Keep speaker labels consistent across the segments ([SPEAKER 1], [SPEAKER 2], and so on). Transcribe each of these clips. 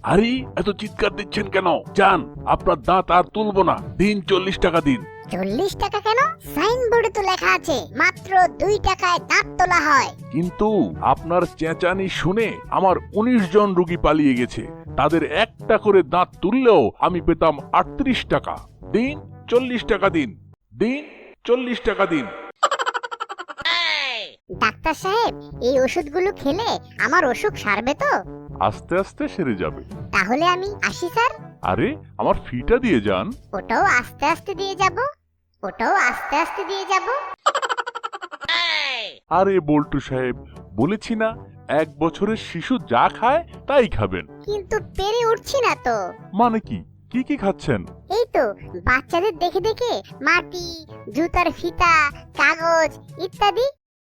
[SPEAKER 1] আরে এত চিৎকার দিচ্ছেন কেন? যান, আপনার দাঁত আর তুলবো না, দিন 40 টাকা দিন।
[SPEAKER 2] 40 টাকা কেন? সাইনবোর্ডে তো লেখা আছে মাত্র 2 টাকায় দাঁত তোলা হয়।
[SPEAKER 1] কিন্তু আপনার চেঁচানি শুনে আমার 19 জন রোগী পালিয়ে গেছে। তাদের একটা করে দাঁত তুললেও আমি পেতাম 38 টাকা। দিন 40 টাকা দিন, দিন 40 টাকা দিন।
[SPEAKER 2] ডাক্তার সাহেব, এই ওষুধগুলো খেলে আমার অসুখ সারবে তো?
[SPEAKER 1] আস্তে আস্তে সেরে যাবে।
[SPEAKER 2] তাহলে আমি আসি স্যার।
[SPEAKER 1] আরে আমার ফিটা দিয়ে যান।
[SPEAKER 2] ওটাও আস্তে আস্তে দিয়ে যাব, ওটাও আস্তে আস্তে দিয়ে যাব।
[SPEAKER 1] আরে বল্টু সাহেব, বলেছি না 1 বছরের শিশু যা খায় তাই খাবেন।
[SPEAKER 2] কিন্তু পেরে উঠছি না তো।
[SPEAKER 1] মানে কি? কি কি খাচ্ছেন?
[SPEAKER 2] এই তো বাচ্চাদের দেখে দেখে মাটি, জুতার ফিতা, কাগজ ইত্যাদি।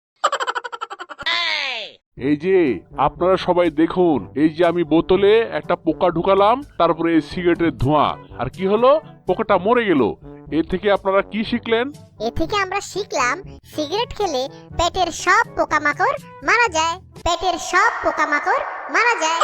[SPEAKER 1] এই যে আপনারা সবাই দেখুন, এই যে আমি বোতলে একটা পোকা ঢুকালাম, তারপরে এই সিগারেটের ধোঁয়া, আর কি হলো? পোকাটা মরে গেল। এর থেকে আপনারা কি শিখলেন?
[SPEAKER 2] এ থেকে আমরা শিখলাম সিগারেট খেলে পেটের সব পোকামাকড় মারা যায়, পেটের সব পোকামাকড় মারা যায়।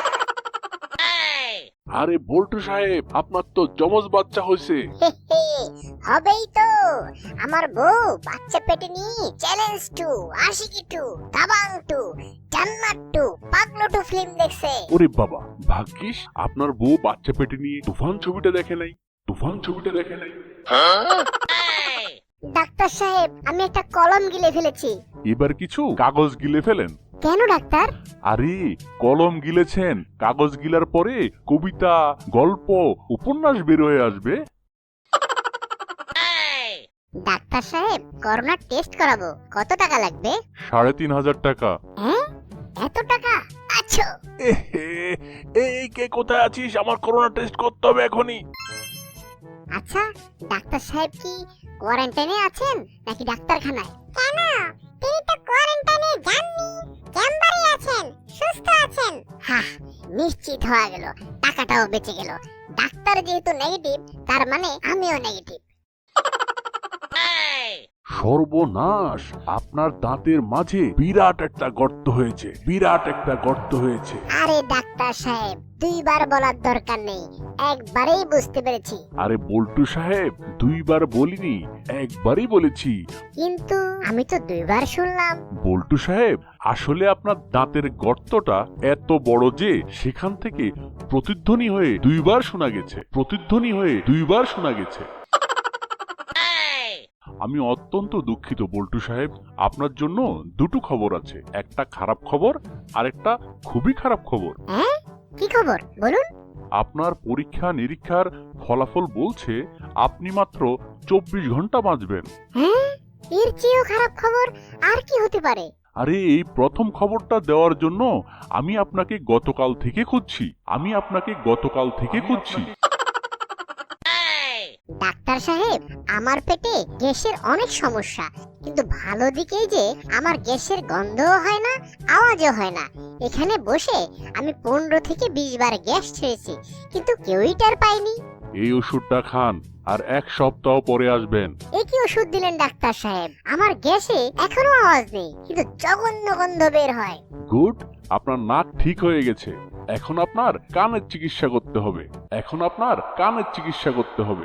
[SPEAKER 1] আরে বল্টু সাহেব, আপনার তো জমজ বাচ্চা হয়েছে।
[SPEAKER 2] হে হে, হবেই তো। আমার বউ বাচ্চা পেটে নিয়ে challenge two, Aashiqui two, Dabangg two, Jannat two, Paglu two film দেখছে।
[SPEAKER 1] ওরে বাবা, ভাগ্যিস আপনার বউ বাচ্চা পেটে নিয়ে তুফান ছবিটা দেখে নাই, তুফান ছবিটা দেখে নাই।
[SPEAKER 2] ডাক্তার সাহেব, আমি একটা কলম গিলে ফেলেছি।
[SPEAKER 1] এবার কিছু কাগজ গিলে ফেলেন।
[SPEAKER 2] কেন ডাক্তার?
[SPEAKER 1] আরে কলম গিলেছেন, কাগজ গিলার পরে কবিতা, গল্প, উপন্যাস বের হয়ে আসবে।
[SPEAKER 2] ডাক্তার সাহেব, করোনা টেস্ট করাবো, কত টাকা লাগবে?
[SPEAKER 1] 3500 টাকা।
[SPEAKER 2] হ্যাঁ, এত টাকা? আচ্ছা।
[SPEAKER 1] এহে, এই কে কোথায় আছিস? আমার করোনা টেস্ট করতে হবে এখনই।
[SPEAKER 2] আচ্ছা, ডাক্তার সাহেব কি কোয়ারেন্টাইনে আছেন নাকি ডাক্তারখানায়? কেন? তিনি তো কোয়ারেন্টাইনে যাননি, চেম্বারে আছেন, সুস্থ আছেন। হ্যাঁ, নিশ্চিত হয়ে গেল, টাকাটাও বেঁচে গেল। ডাক্তার যেহেতু নেগেটিভ, তার মানে আমিও নেগেটিভ।
[SPEAKER 1] সর্বনাশ, আপনার দাঁতের মাঝে বিরাট একটা গর্ত হয়েছে, বিরাট একটা গর্ত হয়েছে।
[SPEAKER 2] আরে ডাক্তার সাহেব, 2 বার বলার দরকার নেই, একবারেই বুঝতে পেরেছি।
[SPEAKER 1] আরে বল্টু সাহেব, 2 বার বলিনি, একবারই বলেছি।
[SPEAKER 2] কিন্তু আমি তো 2 বার শুনলাম।
[SPEAKER 1] বল্টু সাহেব, আসলে আপনার দাঁতের গর্তটা এত বড় যে সেখান থেকে প্রতিধ্বনি হয়ে 2 বার শোনা গেছে, প্রতিধ্বনি হয়ে 2 বার শোনা গেছে। আমি অত্যন্ত দুঃখিত বল্টু সাহেব, আপনার জন্য দুটো খবর আছে, একটা খারাপ খবর আর একটা খুবই খারাপ খবর।
[SPEAKER 2] হ্যাঁ, কি খবর বলুন?
[SPEAKER 1] আপনার পরীক্ষা নিরীক্ষার ফলাফল বলছে আপনি মাত্র 24 ঘন্টা বাঁচবেন।
[SPEAKER 2] হ্যাঁ, এর চেয়েও খারাপ খবর আর কি হতে পারে?
[SPEAKER 1] আরে এই প্রথম খবরটা দেওয়ার জন্য আমি আপনাকে গতকাল থেকে খুঁজছি, আমি আপনাকে গতকাল থেকে খুঁজছি।
[SPEAKER 2] ডাক্তার সাহেব, আমার পেটে গ্যাসের অনেক সমস্যা, কিন্তু ভালো দিকেই যে আমার গ্যাসের গন্ধও হয় না, আওয়াজও হয় না। এখানে বসে আমি 15 থেকে 20 বার গ্যাস ছেড়েছি, কিন্তু কেউই টের পায়নি।
[SPEAKER 1] এই ওষুধটা খান, আর 1 সপ্তাহ পরে আসবেন।
[SPEAKER 2] এ কি ওষুধ দিলেন ডাক্তার সাহেব? আমার গ্যাসে এখনো আওয়াজ নেই, কিন্তু জঘন্য গন্ধ বের হয়।
[SPEAKER 1] গুড, আপনার নাক ঠিক হয়ে গেছে। এখন আপনার কানের চিকিৎসা করতে হবে, এখন আপনার কানের চিকিৎসা করতে হবে।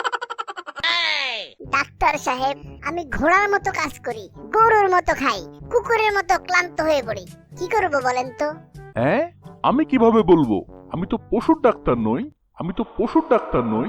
[SPEAKER 2] ডাক্তার সাহেব, আমি ঘোড়ার মতো কাজ করি, গরুর মতো খাই, কুকুরের মতো ক্লান্ত হয়ে পড়ি, কি করব বলেন তো?
[SPEAKER 1] হ্যাঁ, আমি কিভাবে বলবো? আমি তো পশুর ডাক্তার নই, আমি তো পশুর ডাক্তার নই।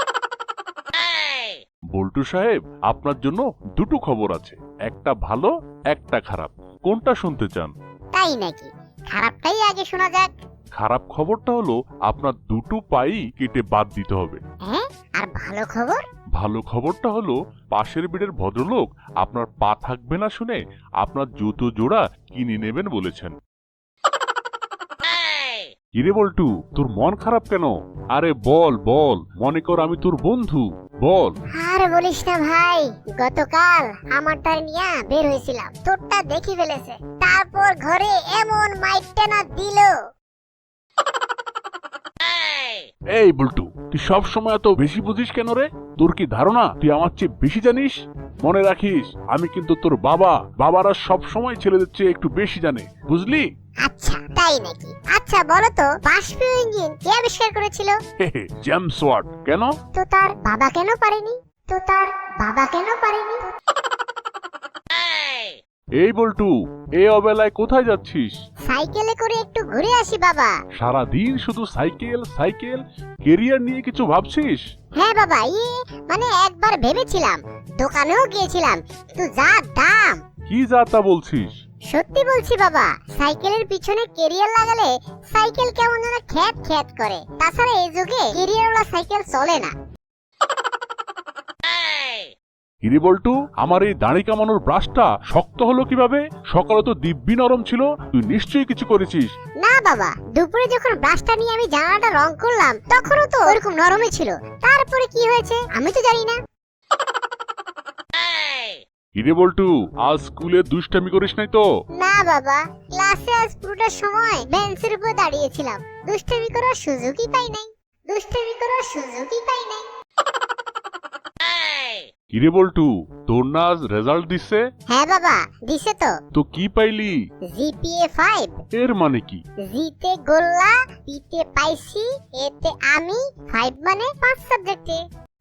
[SPEAKER 1] বল্টু সাহেব, আপনার জন্য দুটো খবর আছে, একটা ভালো একটা খারাপ। কোনটা শুনতে চান?
[SPEAKER 2] তাই নাকি? খারাপটাই আগে শোনা যাক।
[SPEAKER 1] খারাপ খবরটা হলো আপনার দুটো পাই কেটে বাদ দিতে হবে।
[SPEAKER 2] হ্যাঁ, আর ভালো খবর?
[SPEAKER 1] ভালো খবরটা হলো পাশের বেডের ভদ্রলোক আপনার পা থাকবে না শুনে আপনার জুতো জোড়া কিনে নেবেন বলেছেন। কিরে বল্টু, তোর মন খারাপ কেন? আরে বল বল, মনে কর আমি তোর বন্ধু, বল।
[SPEAKER 2] আর বলিস না ভাই, গতকাল আমারটা নিয়ে বের হয়েছিলাম, তোরটা দেখি ফেলেছে, তারপর ঘরে এমন মাইরটা না দিল।
[SPEAKER 1] এই বল্টু, তুই সব সময় এত বেশি বুঝিস কেন রে? তোর কি ধারণা তুই আমার চেয়ে বেশি জানিস? মনে রাখিস, আমি কিন্তু তোর বাবা। বাবারা সব সময় ছেলেদের চেয়ে একটু বেশি জানে, বুঝলি?
[SPEAKER 2] আচ্ছা তাই নাকি? আচ্ছা বলো তো, বাষ্প ইঞ্জিন কে আবিষ্কার করেছিল?
[SPEAKER 1] James Watt. কেন?
[SPEAKER 2] তো তার বাবা কেন পারেনি?
[SPEAKER 1] এই বল্টু, এই অবেলায় কোথায় যাচ্ছিস?
[SPEAKER 2] সাইকেলে করে একটু ঘুরে আসি বাবা।
[SPEAKER 1] সারাদিন শুধু সাইকেল সাইকেল, কেরিয়ার নিয়ে কিছু ভাবছিস?
[SPEAKER 2] হ্যাঁ বাবা, মানে একবার ভেবেছিলাম, দোকানেও গিয়েছিলাম, কিন্তু যা দাম।
[SPEAKER 1] কি যা তা বলছিস?
[SPEAKER 2] সত্যি বলছি বাবা, সাইকেলের পিছনে কেরিয়ার লাগালে সাইকেল কেমন যেন খ্যাত খ্যাত করে। তাছাড়া এই যুগে কেরিয়ারওয়ালা সাইকেল চলে না।
[SPEAKER 1] কিরে বল্টু, আমার এই দাড়ি কামানোর ব্রাশটা শক্ত হলো কিভাবে? সকালে তো দিব্যি নরম ছিল, তুই নিশ্চয়ই কিছু করেছিস।
[SPEAKER 2] না বাবা, দুপুরে যখন ব্রাশটা নিয়ে আমি জানালাটা রং করলাম তখনও তো ওরকম নরমই ছিল। তারপরে কি হয়েছে আমি তো জানি না।
[SPEAKER 1] কিরে বল্টু, আজ স্কুলে দুষ্টামি করিস নাই তো?
[SPEAKER 2] না বাবা, ক্লাসে আজ পুরোটা সময় বেঞ্চের উপর দাঁড়িয়েছিলাম, দুষ্টামি করার সুযোগই পাই নাই।
[SPEAKER 1] কিরে বল্টু, তোর না আজ রেজাল্ট দিচ্ছে?
[SPEAKER 2] হ্যাঁ বাবা, দিছে তো।
[SPEAKER 1] তো কি পাইলি?
[SPEAKER 2] জিপিএ 5।
[SPEAKER 1] এর মানে কি?
[SPEAKER 2] জিতে গোল্লা, পিতে পাইছি, এতে আমি, 5 মানে 5 সাবজেক্টে।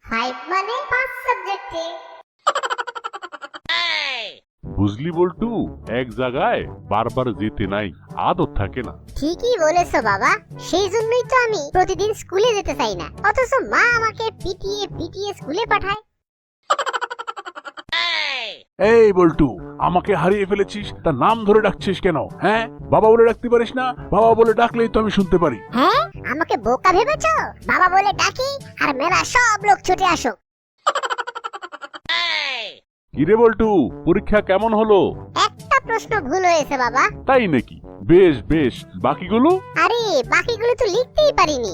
[SPEAKER 1] বুঝলি বল্টু, এক জায়গায় বারবার যেতে নাই, আদত থাকে না।
[SPEAKER 2] ঠিকই বলেছো বাবা, সেই জন্যই তো আমি প্রতিদিন স্কুলে যেতে চাই না, অথচ মা আমাকে পিটিয়ে পিটিয়ে স্কুলে পাঠায়।
[SPEAKER 1] এই বল্টু, আমাকে হারিয়ে ফেলেছিস, তার নাম ধরে ডাকছিস কেন? হ্যাঁ, বাবা বলে ডাকতে পারিস না? বাবা বলে ডাকলেই তো আমি শুনতে পারি।
[SPEAKER 2] হ্যাঁ, আমাকে বোকা ভেবেছো? বাবা বলে ডাকি আর মেলা সব লোক ছুটে আসো।
[SPEAKER 1] কিরে বল্টু, পরীক্ষা কেমন হলো?
[SPEAKER 2] একটা প্রশ্ন ভুল হয়েছে বাবা।
[SPEAKER 1] তাই নাকি? বেশ বেশ, বাকিগুলো?
[SPEAKER 2] আরে বাকিগুলো তো লিখতেই পারিনি।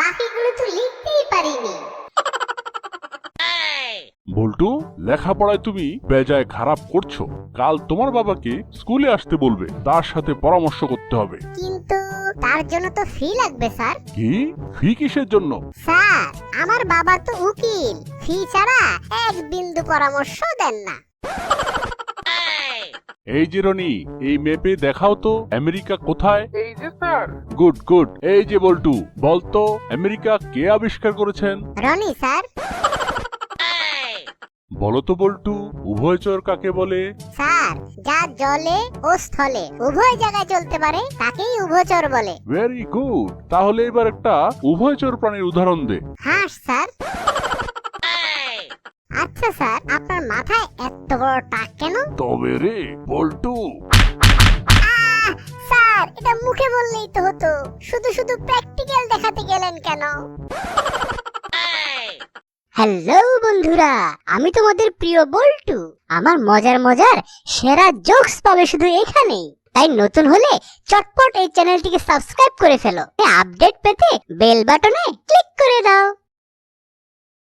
[SPEAKER 1] বল্টু, লেখাপড়ায় তুমি বেজায় খারাপ করছো। কাল তোমার বাবাকে স্কুলে আসতে বলবে, তার সাথে পরামর্শ করতে হবে।
[SPEAKER 2] কিন্তু তার জন্য তো ফি লাগবে স্যার।
[SPEAKER 1] কি? ফি কিসের জন্য?
[SPEAKER 2] স্যার, আমার বাবা তো উকিল, ফি ছাড়া এক বিন্দু পরামর্শ দেন না।
[SPEAKER 1] এই যে রনি, এই ম্যাপে দেখাও তো আমেরিকা কোথায়?
[SPEAKER 3] এই যে স্যার।
[SPEAKER 1] Good good. এই যে বল্টু, বলতো আমেরিকা কে আবিষ্কার করেছেন?
[SPEAKER 2] রনি স্যার।
[SPEAKER 1] বলো তো বল্টু, উভয়চর কাকে বলে?
[SPEAKER 2] স্যার, যা জলে ও স্থলে উভয় জায়গায় চলতে পারে তাকেই উভয়চর বলে।
[SPEAKER 1] Very good. তাহলে এবার একটা উভয়চর প্রাণীর উদাহরণ দে।
[SPEAKER 2] হাঁস স্যার। আচ্ছা স্যার, আপনার মাথায় এত বড় টাক কেন?
[SPEAKER 1] তবে রে বল্টু,
[SPEAKER 2] স্যার, এটা মুখে বললেই তো হতো, শুধু শুধু প্র্যাকটিক্যাল দেখাতে গেলেন কেন? হ্যালো বন্ধুরা, আমি তোমাদের প্রিয় বল্টু। আমার মজার মজার সেরা জোকস পাবে শুধু এখানেই। তাই নতুন হলে চটপট এই চ্যানেলটিকে সাবস্ক্রাইব করে ফেলো। আপডেট পেতে বেল বাটনে ক্লিক করে দাও।